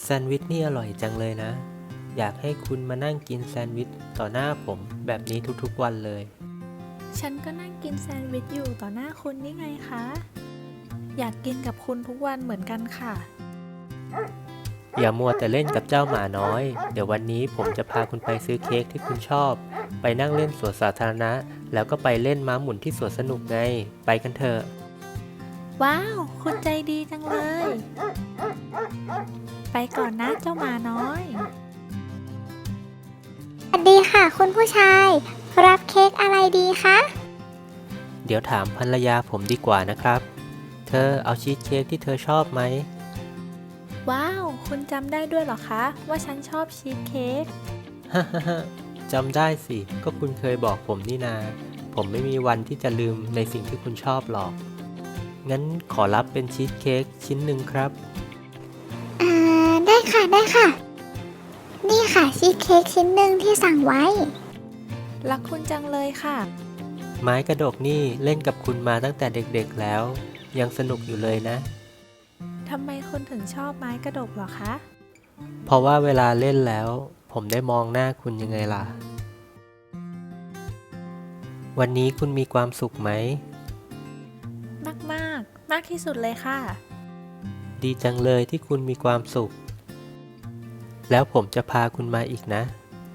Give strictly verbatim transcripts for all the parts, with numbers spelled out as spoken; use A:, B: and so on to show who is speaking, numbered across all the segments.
A: แซนด์วิชนี่อร่อยจังเลยนะอยากให้คุณมานั่งกินแซนด์วิชต่อหน้าผมแบบนี้ทุกๆวันเลย
B: ฉันก็นั่งกินแซนด์วิชอยู่ต่อหน้าคุณนี่ไงคะ อยากกินกับคุณทุกวันเหมือนกันค่ะ
A: อย่ามัวแต่เล่นกับเจ้าหมาน้อยเดี๋ยววันนี้ผมจะพาคุณไปซื้อเค้กที่คุณชอบไปนั่งเล่นสวนสาธารณะแล้วก็ไปเล่นม้าหมุนที่สวนสนุกไงไปกันเถอะ
B: ว้าว คุณใจดีจังเลย ไปก่อนนะเจ้าหมาน้อย
C: สวัสดีค่ะคุณผู้ชายรับเค้กอะไรดีคะ
A: เดี๋ยวถามภรรยาผมดีกว่านะครับเธอเอาชีสเค้กที่เธอชอบไหม
B: ว้าว คุณจำได้ด้วยเหรอคะว่าฉันชอบชีสเค้ก
A: ฮ่าฮ่าฮ่าจำได้สิก็คุณเคยบอกผมนี่นาผมไม่มีวันที่จะลืมในสิ่งที่คุณชอบหรอกงั้นขอรับเป็นชีสเค้กชิ้นหนึ่งครับ
C: อ่าได้ค่ะได้ค่ะนี่ค่ะชีสเค้กชิ้นหนึ่งที่สั่งไว้
B: รักคุณจังเลยค่ะ
A: ไม้กระดกนี่เล่นกับคุณมาตั้งแต่เด็กๆแล้วยังสนุกอยู่เลยนะ
B: ทำไมคุณถึงชอบไม้กระดกเหรอคะ
A: เพราะว่าเวลาเล่นแล้วผมได้มองหน้าคุณยังไงล่ะวันนี้คุณมีความสุขไหม
B: มากมากมากที่สุดเลยค่ะ
A: ดีจังเลยที่คุณมีความสุขแล้วผมจะพาคุณมาอีกนะ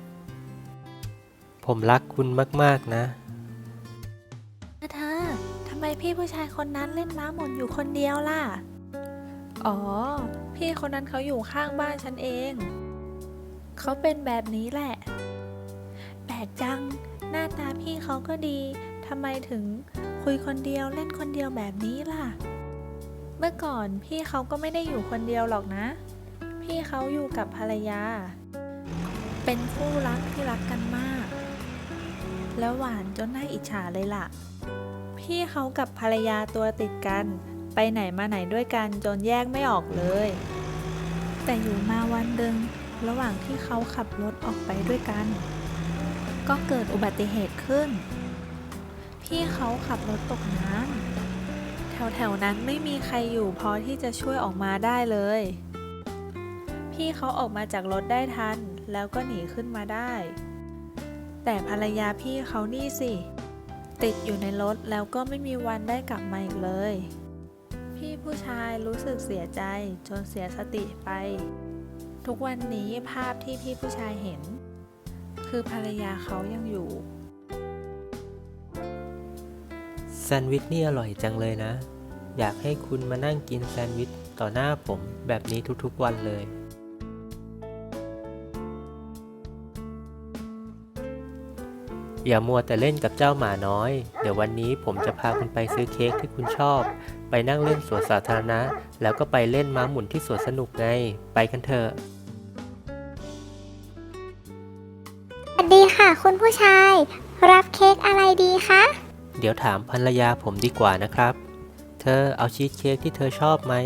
A: ผมรักคุณมากๆนะ
B: เธอทำไมพี่ผู้ชายคนนั้นเล่นม้าหมุนอยู่คนเดียวล่ะ อ๋อ พี่คนนั้นเขาอยู่ข้างบ้านฉันเอง เขาเป็นแบบนี้แหละ แปลกจัง หน้าตาพี่เขาก็ดี ทำไมถึงคุยคนเดียวเล่นคนเดียวแบบนี้ล่ะ เมื่อก่อนพี่เขาก็ไม่ได้อยู่คนเดียวหรอกนะ พี่เขาอยู่กับภรรยา เป็นคู่รักที่รักกันมาก แล้วหวานจนน่าอิจฉาเลยล่ะ พี่เขากับภรรยาตัวติดกัน ไปไหนมาไหนด้วยกันจนแยกไม่ออกเลย แต่อยู่มาวันหนึ่งระหว่างที่เขาขับรถออกไปด้วยกัน ก็เกิดอุบัติเหตุขึ้น พี่เขาขับรถตกน้ำแถวๆนั้นไม่มีใครอยู่พอที่จะช่วยออกมาได้เลย พี่เขาออกมาจากรถได้ทันแล้วก็หนีขึ้นมาได้ แต่ภรรยาพี่เขานี่สิติดอยู่ในรถแล้วก็ไม่มีวันได้กลับมาอีกเลยพี่ผู้ชายรู้สึกเสียใจจนเสียสติไปทุกวันนี้ภาพที่พี่ผู้ชายเห็นคือภรรยาเขายังอยู่
A: แซนด์วิชนี่อร่อยจังเลยนะอยากให้คุณมานั่งกินแซนด์วิชต่อหน้าผมแบบนี้ทุกๆวันเลยอย่ามัวแต่เล่นกับเจ้าหมาน้อยเดี๋ยววันนี้ผมจะพาคุณไปซื้อเค้กที่คุณชอบไปนั่งเล่นสวนสาธารณะแล้วก็ไปเล่นม้าหมุนที่สวนสนุกไงไปกันเถอะ
C: สวัสดีค่ะคุณผู้ชายรับเค้กอะไรดีคะ
A: เดี๋ยวถามภรรยาผมดีกว่านะครับเธอเอาชีสเค้กที่เธอชอบไหม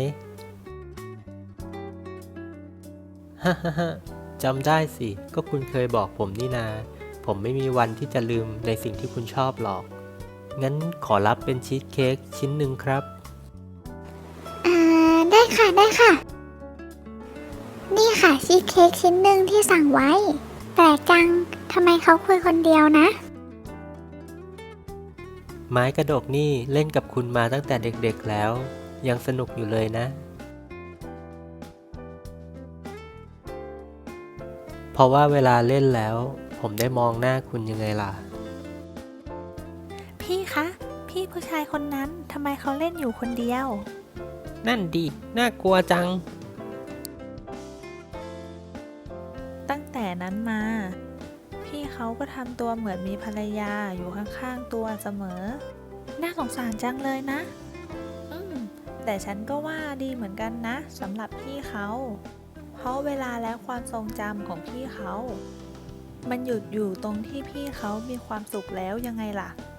A: ฮ่าฮ่าฮ่าจำได้สิก็คุณเคยบอกผมนี่นาผมไม่มีวันที่จะลืมในสิ่งที่คุณชอบหรอกงั้นขอรับเป็นชีสเค้กชิ้นหนึ่งครับ
C: อ่าได้ค่ะได้ค่ะนี่ค่ะชีสเค้กชิ้นหนึ่งที่สั่งไว้แปลกจังทำไมเขาคุยคนเดียวนะ
A: ไม้กระดกนี่เล่นกับคุณมาตั้งแต่เด็กๆแล้วยังสนุกอยู่เลยนะเพราะว่าเวลาเล่นแล้วผมได้มองหน้าคุณยังไงล่ะ
B: พี่คะพี่ผู้ชายคนนั้นทำไมเขาเล่นอยู่คนเดียว
A: นั่นดิน่ากลัวจัง
B: ตั้งแต่นั้นมาพี่เขาก็ทำตัวเหมือนมีภรรยาอยู่ข้างๆตัวเสมอน่าสงสารจังเลยนะอืมแต่ฉันก็ว่าดีเหมือนกันนะสำหรับพี่เขาเพราะเวลาและความทรงจำของพี่เขามันหยุดอยู่ตรงที่พี่เขามีความสุขแล้วยังไงล่ะ